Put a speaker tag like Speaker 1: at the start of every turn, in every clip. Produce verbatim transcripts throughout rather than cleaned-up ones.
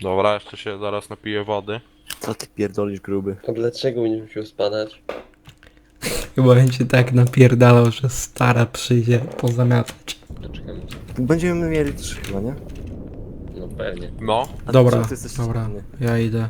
Speaker 1: Dobra, jeszcze się zaraz napiję wody.
Speaker 2: Co ty pierdolisz, gruby?
Speaker 3: A dlaczego nie musiał spadać?
Speaker 4: Chyba będzie tak napierdalał, że stara przyjdzie pozamiatać.
Speaker 3: Doczekamy się.
Speaker 2: Będziemy mieli trzy chyba, nie?
Speaker 3: No pewnie.
Speaker 1: No.
Speaker 2: A
Speaker 4: Dobra,
Speaker 2: ty, ty jesteś
Speaker 4: dobra,
Speaker 2: czarny.
Speaker 4: ja idę.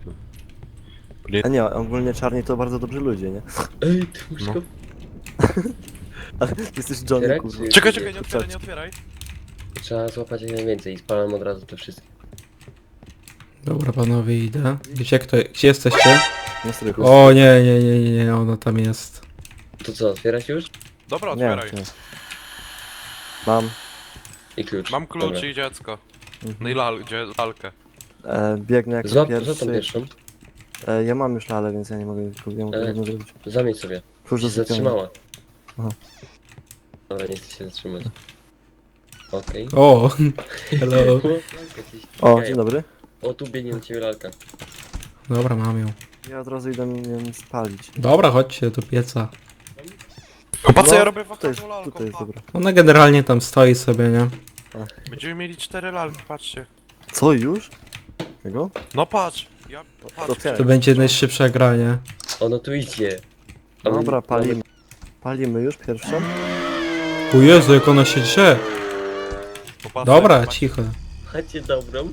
Speaker 2: A nie, ogólnie czarni to bardzo dobrzy ludzie, nie?
Speaker 3: Ej, ty masz
Speaker 1: No.
Speaker 3: go...
Speaker 2: Ale ty jesteś Johnny,
Speaker 3: Otwierać,
Speaker 2: kurwa.
Speaker 3: czy-
Speaker 1: Czekaj, czekaj, nie otwieraj, nie otwieraj.
Speaker 3: Trzeba złapać jak najwięcej i spalam od razu te wszystkie.
Speaker 4: Dobra panowie, idę. Gdzie kto, gdzie jesteście?
Speaker 2: Nie strychu.
Speaker 4: O nie, nie, nie, nie, nie, ona tam jest.
Speaker 3: To co, otwierać już?
Speaker 1: Dobra,
Speaker 2: Nie,
Speaker 1: otwieraj.
Speaker 2: nie. Mam.
Speaker 3: I klucz.
Speaker 1: Mam klucz
Speaker 3: Dobra.
Speaker 1: i dziecko.
Speaker 2: Mhm.
Speaker 1: No i lal, gdzie lalkę.
Speaker 2: E, biegnę jako
Speaker 3: Złap,
Speaker 2: pierwszy.
Speaker 3: za tą pierwszą.
Speaker 2: E, ja mam już lalę, więc ja nie mogę, nie mogę
Speaker 3: E.
Speaker 2: tego zrobić.
Speaker 3: Zamieć sobie.
Speaker 2: Klucz
Speaker 3: Się
Speaker 2: do sypialni.
Speaker 3: zatrzymała.
Speaker 2: Aha.
Speaker 3: Dobra, nie chcę się zatrzymać. Okej.
Speaker 4: O, hello.
Speaker 3: Jakieś
Speaker 2: O,
Speaker 3: jaja.
Speaker 2: dzień dobry.
Speaker 3: O, tu biegnie na ciebie lalka.
Speaker 4: Dobra, mam ją.
Speaker 2: Ja od razu idę ją spalić.
Speaker 4: Dobra, chodźcie do pieca.
Speaker 1: Chyba co
Speaker 2: No,
Speaker 1: ja robię
Speaker 2: Tutaj jest,
Speaker 1: wokół lalką,
Speaker 2: tutaj jest,
Speaker 1: pa.
Speaker 2: dobra.
Speaker 4: Ona generalnie tam stoi sobie, nie?
Speaker 1: Będziemy mieli cztery lalki, patrzcie.
Speaker 2: Co, już? Tego?
Speaker 1: No patrz. Ja, patrz.
Speaker 2: otwieraj.
Speaker 4: To będzie najszybsze granie.
Speaker 3: Ono tu idzie. A my-
Speaker 2: Dobra, palimy. Palimy już pierwszą?
Speaker 4: O Jezu, jak ona się drze.
Speaker 1: Popatrz,
Speaker 4: Dobra,
Speaker 1: patrz.
Speaker 4: cicho.
Speaker 3: Macie dobrą?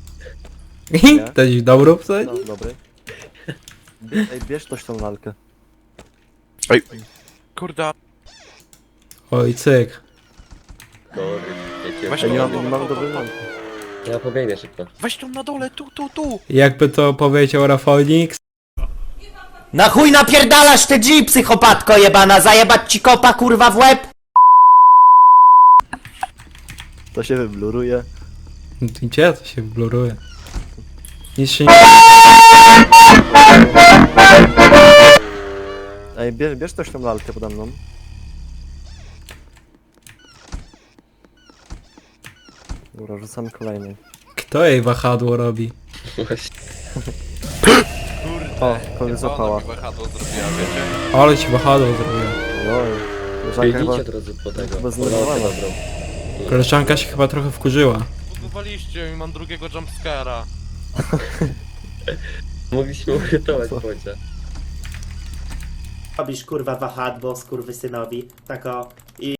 Speaker 4: Też dobrą wsadzi?
Speaker 2: No, dobry. Bie- Ej, bierz ktoś tą lalkę.
Speaker 1: Ej, kurde.
Speaker 4: Oj, cyk.
Speaker 3: Sorry. Ja cię
Speaker 1: Weź
Speaker 2: Ej, nie
Speaker 1: to,
Speaker 2: mam, nie
Speaker 1: to,
Speaker 2: mam
Speaker 1: to,
Speaker 2: dobrej
Speaker 1: to.
Speaker 2: lalki.
Speaker 3: Ja pobiegnę szybko.
Speaker 1: Weź tą na dole, tu, tu, tu.
Speaker 4: Jakby to powiedział Rafonix.
Speaker 5: Na chuj napierdalasz te G, psychopatko jebana, zajebać ci kopa kurwa w łeb?
Speaker 2: To się wybluruje.
Speaker 4: Gdzie to się bluruje? Nic się nie...
Speaker 2: Ej, bierz, bierz ktoś tą lalkę pode mną. Dobra, rzucamy kolejną.
Speaker 4: Kto jej wahadło robi?
Speaker 3: Właśnie.
Speaker 2: O, kogoś
Speaker 1: Ona
Speaker 2: zapała.
Speaker 1: mi wahadło zrobiła, wiecie?
Speaker 4: Ale ci wahadło zrobiła.
Speaker 2: No, koleżanka chyba...
Speaker 3: Biegnijcie od razu po tego.
Speaker 2: chyba
Speaker 3: Po
Speaker 2: zdenerwowana.
Speaker 3: lalkę dobrą.
Speaker 4: Koleżanka się chyba trochę wkurzyła.
Speaker 1: Budowaliście i mam drugiego jumpscare'a.
Speaker 3: Mogliśmy uratować bądźca.
Speaker 6: Robisz kurwa wahadło skurwysynowi, tako i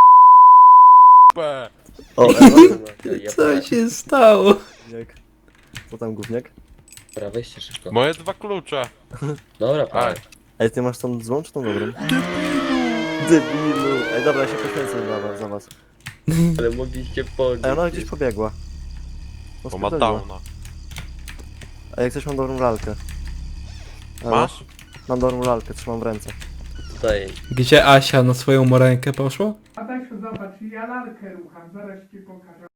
Speaker 1: P.
Speaker 2: O,
Speaker 3: Ja
Speaker 4: Co się stało?
Speaker 2: gówniak. Co tam, gówniak?
Speaker 3: Dobra, weźcie szybko.
Speaker 1: Moje dwa klucze.
Speaker 3: Dobra,
Speaker 1: Ej.
Speaker 3: pa.
Speaker 2: Ej, ty masz tą złą czy tą dobrą? Debilu! Ej, dobra, ja się poświęcę za was. Za was.
Speaker 3: Ale mogliście podnieść.
Speaker 2: Ej, ona gdzieś pobiegła. No,
Speaker 1: Bo ma
Speaker 2: spierdoliła.
Speaker 1: downa.
Speaker 2: Ej, jak coś mam dobrą lalkę. Halo?
Speaker 1: Masz?
Speaker 2: Mam dobrą lalkę, trzymam w ręce.
Speaker 3: Tutaj.
Speaker 4: Gdzie Asia na swoją morenkę poszła?
Speaker 7: Adasiu, zobacz, ja lalkę rucham, zaraz ci pokażę.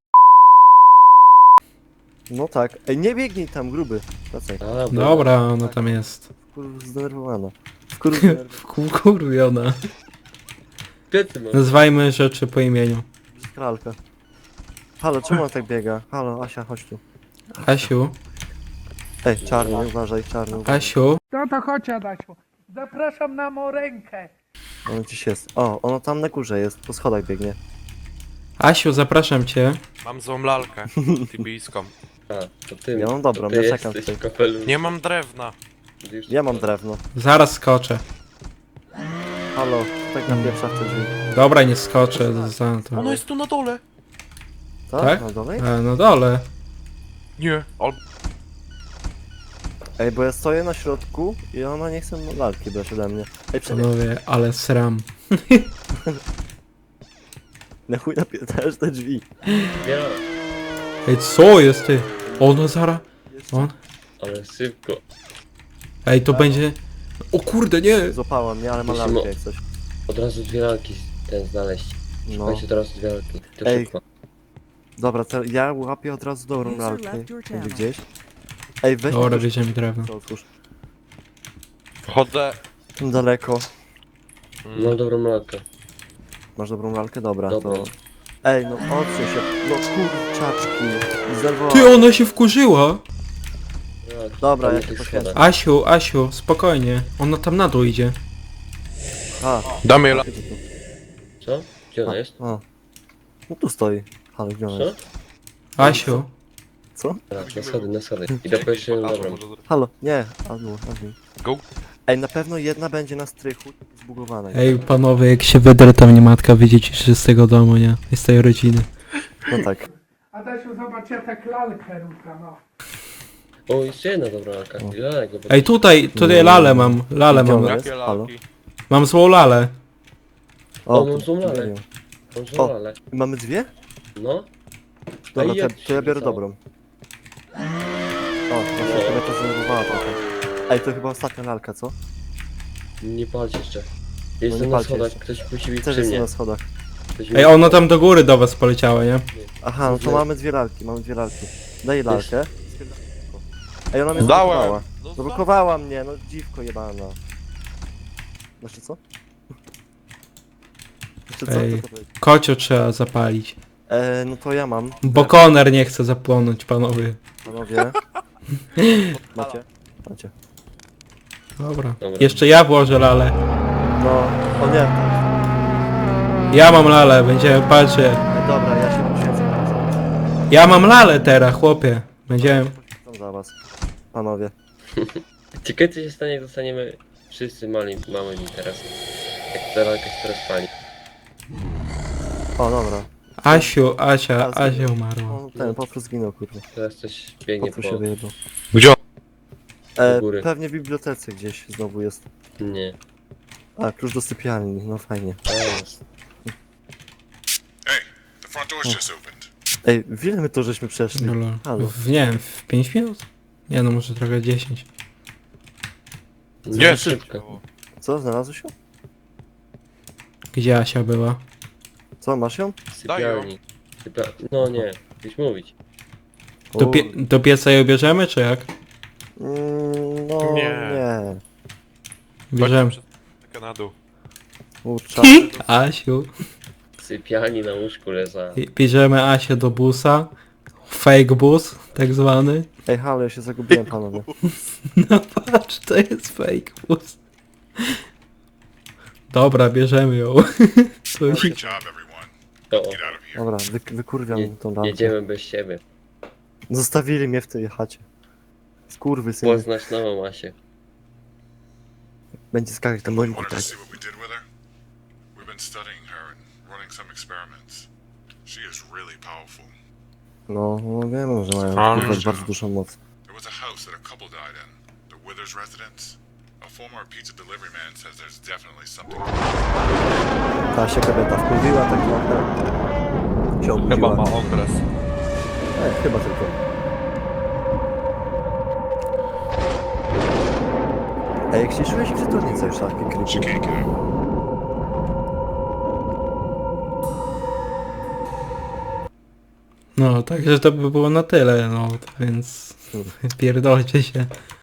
Speaker 2: No tak. Ej, nie biegnij tam, gruby. Wracaj.
Speaker 3: A,
Speaker 4: Dobra, ona tam jest.
Speaker 2: Kur... zdenerwowana. Kur... zdenerwowana.
Speaker 4: Wkurwiona.
Speaker 3: Plecy mam.
Speaker 4: Nazwajmy rzeczy po imieniu.
Speaker 2: Lalka. Halo, czemu on tak biega? Halo, Asia, chodź tu.
Speaker 4: Asiu,
Speaker 2: Ej, czarny, uważaj, czarny. Uważaj.
Speaker 4: Asiu.
Speaker 7: No to chodź, Adasiu. Zapraszam na morękę.
Speaker 2: On gdzieś jest. O, ono tam na górze jest, po schodach biegnie.
Speaker 4: Asiu, zapraszam cię.
Speaker 1: Mam złą lalkę. Tibijską.
Speaker 3: A, to ty.
Speaker 2: Ja mam dobrą,
Speaker 3: to ty
Speaker 2: ja czekam
Speaker 3: jesteś
Speaker 2: tutaj.
Speaker 3: kapelusz.
Speaker 1: Nie mam drewna.
Speaker 3: Już-
Speaker 2: Ja mam drewno.
Speaker 4: Zaraz skoczę.
Speaker 2: Halo, tak na pierwsza w te drzwi.
Speaker 4: Dobra, nie skoczę za to.
Speaker 1: Ono jest tu na dole.
Speaker 2: Co?
Speaker 4: Tak?
Speaker 2: Na dole?
Speaker 4: E, no dole.
Speaker 1: Nie. Al...
Speaker 2: Ej, bo ja stoję na środku i ona nie chce lalki brać ode mnie. Ej, przebieg.
Speaker 4: Panowie, ale sram.
Speaker 2: Na chuj napierdalasz te drzwi.
Speaker 3: Ja,
Speaker 4: Ej, co jest ty? Ono zara... On?
Speaker 3: ale szybko.
Speaker 4: Ej, to będzie... O kurde, nie!
Speaker 2: Złapała mnie, ale ma
Speaker 3: Musimy-
Speaker 2: lalkę jak coś.
Speaker 3: Od razu dwie lalki ten znaleźć.
Speaker 2: No.
Speaker 3: Weźcie od razu dwie lalki. To
Speaker 2: Ej,
Speaker 3: szybko.
Speaker 2: Dobra, to ja łapię od razu dobrą lalkę. Będzie gdzieś. Ej, weź
Speaker 4: Dobra,
Speaker 2: mi
Speaker 4: bierzemy drewno.
Speaker 2: to otwórz.
Speaker 1: Chodzę.
Speaker 2: Daleko.
Speaker 3: Mam dobrą lalkę.
Speaker 2: Masz dobrą lalkę? Dobra,
Speaker 3: Dobra.
Speaker 2: to... Ej, no odsuń się. No kurczaczki. Zerwała.
Speaker 4: Ty, ona się wkurzyła!
Speaker 3: Lalki.
Speaker 2: Dobra,
Speaker 3: Tam
Speaker 2: ja
Speaker 3: na
Speaker 2: się
Speaker 3: tych
Speaker 2: poświęcę.
Speaker 3: schodach.
Speaker 4: Asiu, Asiu, spokojnie. Ona tam na dół idzie.
Speaker 2: A,
Speaker 1: Damy la...
Speaker 2: Co?
Speaker 3: Tak, na schody, na schody. I do jeszcze dobrą.
Speaker 2: Halo, nie, admin, admin.
Speaker 1: Go.
Speaker 2: Ej, na pewno jedna będzie na strychu zbugowana.
Speaker 4: Ej, panowie, jak się wydrę, to mnie matka wydziedziczy z tego domu, nie? I z tej rodziny.
Speaker 2: No tak.
Speaker 7: Adasiu, zobacz, ja tak lalkę rucham, no.
Speaker 3: O, jeszcze jedna dobra lalka. I lalek, bo...
Speaker 4: Ej, tutaj, tutaj lalę mam, lalę mam.
Speaker 2: Gdzie ona
Speaker 1: Jakie
Speaker 2: jest? Halo?
Speaker 1: lalki?
Speaker 4: Mam złą lalę.
Speaker 3: O,
Speaker 2: to-
Speaker 3: mam złą lalę.
Speaker 2: nie wiem.
Speaker 3: Mam
Speaker 2: O.
Speaker 3: złą lalę.
Speaker 2: Mamy dwie?
Speaker 3: No.
Speaker 2: Dobra,
Speaker 3: i
Speaker 2: to,
Speaker 3: jak
Speaker 2: to
Speaker 3: się
Speaker 2: ja biorę
Speaker 3: rzucało?
Speaker 2: dobrą. O, właśnie kobieta zdenerwowała trochę. Ej, to chyba ostatnia lalka, co?
Speaker 3: Nie palcie jeszcze.
Speaker 2: nie
Speaker 3: Jestem na
Speaker 2: palcie
Speaker 3: schodach,
Speaker 2: jeszcze.
Speaker 3: ktoś musi być
Speaker 2: Też
Speaker 3: przy
Speaker 2: jest
Speaker 3: mnie.
Speaker 2: na schodach.
Speaker 3: Ktoś
Speaker 4: Ej,
Speaker 3: musi-
Speaker 4: ona tam do góry do was poleciała, nie?
Speaker 2: Aha, no to mamy dwie lalki, mamy dwie lalki. Daj lalkę. Ej, ona mnie
Speaker 1: Dałem.
Speaker 2: zablokowała.
Speaker 1: No,
Speaker 2: Zablokowała mnie, no dziwko jebana. Znaczy co? Znaczy co?
Speaker 4: Ej.
Speaker 2: Co to powiedzieć?
Speaker 4: Kocio trzeba zapalić.
Speaker 2: E, no to ja mam.
Speaker 4: Bo koner nie chce zapłonąć, panowie.
Speaker 2: Panowie. Macie? Macie.
Speaker 4: Dobra.
Speaker 3: Dobra.
Speaker 4: Jeszcze ja włożę lalę.
Speaker 2: No, o nie.
Speaker 4: Ja mam lalę, będziemy patrzeć.
Speaker 2: Ej, dobra, ja się poświęcę za was.
Speaker 4: Ja mam lalę teraz, chłopie. Będziemy...
Speaker 2: Poświęcam za was. Panowie.
Speaker 3: Ciekawe co się stanie, jak zostaniemy wszyscy mali, małymi teraz. Jak ta lalka się teraz pali.
Speaker 2: O, dobra.
Speaker 4: Asiu, Asia,
Speaker 2: A,
Speaker 4: Asia
Speaker 2: zginął.
Speaker 4: umarła.
Speaker 2: O, ten, Potwór zginął, kurwa.
Speaker 3: Teraz coś biegnie
Speaker 2: Potwór
Speaker 3: po...
Speaker 2: się wyjebał.
Speaker 1: Gdzie?
Speaker 2: E,
Speaker 3: góry.
Speaker 2: pewnie w bibliotece gdzieś znowu jest.
Speaker 3: Nie.
Speaker 2: A, klucz do sypialni, no fajnie.
Speaker 3: A jest.
Speaker 8: The front door's just opened.
Speaker 2: Ej, w ile my to żeśmy przeszli?
Speaker 4: No, lol.
Speaker 2: Halo.
Speaker 4: w, nie wiem, w pięć minut? Nie no, może trochę dziesięć.
Speaker 1: Nie,
Speaker 3: szybko.
Speaker 2: Co, znalazłeś ją?
Speaker 4: Gdzie Asia była?
Speaker 2: Co, masz ją?
Speaker 3: Sypialni. Sypia... No nie, gdzieś mówić.
Speaker 4: Do,
Speaker 2: O,
Speaker 4: pie do pieca ją bierzemy, czy jak?
Speaker 2: Mm, no,
Speaker 1: Nie.
Speaker 2: nie.
Speaker 4: Bierzemy.
Speaker 1: Taka na dół.
Speaker 2: Kurczę.
Speaker 4: Asiu.
Speaker 3: W sypialni na łóżku leża.
Speaker 4: I- Bierzemy Asię do busa. Fake bus, tak zwany.
Speaker 2: Ej, halo, ja się zagubiłem, panowie.
Speaker 4: No patrz, to jest fake bus. Dobra, bierzemy ją. Coś.
Speaker 8: Great job, everyone.
Speaker 3: O, o.
Speaker 8: Get out of here.
Speaker 2: Dobra, wy, wykurwiam
Speaker 3: Je,
Speaker 2: tą lalkę.
Speaker 3: jedziemy bez siebie.
Speaker 2: Zostawili mnie w tej chacie. Skurwy syn.
Speaker 3: Poznać nową Asię.
Speaker 2: Będzie skakać na moim
Speaker 8: Wanted to
Speaker 2: tak.
Speaker 8: see what we did with her? We've been studying her and running some experiments. She is really powerful.
Speaker 2: No, no wiem, że mają
Speaker 1: A,
Speaker 2: kurwa
Speaker 8: no.
Speaker 2: bardzo dużą moc.
Speaker 8: There was a house that a couple died in, the Withers residence. A former pizza delivery man says there's definitely something.
Speaker 2: Ta się kobieta wkurwiła tak trochę. Się
Speaker 1: Chyba
Speaker 2: obudziła.
Speaker 1: ma okres.
Speaker 2: Ej, chyba tylko. Ej, jak się czujesz w czytelnicy już takie
Speaker 8: She
Speaker 2: krypie?
Speaker 8: can't get out.
Speaker 4: No, także to by było na tyle, no, to więc pierdolcie się.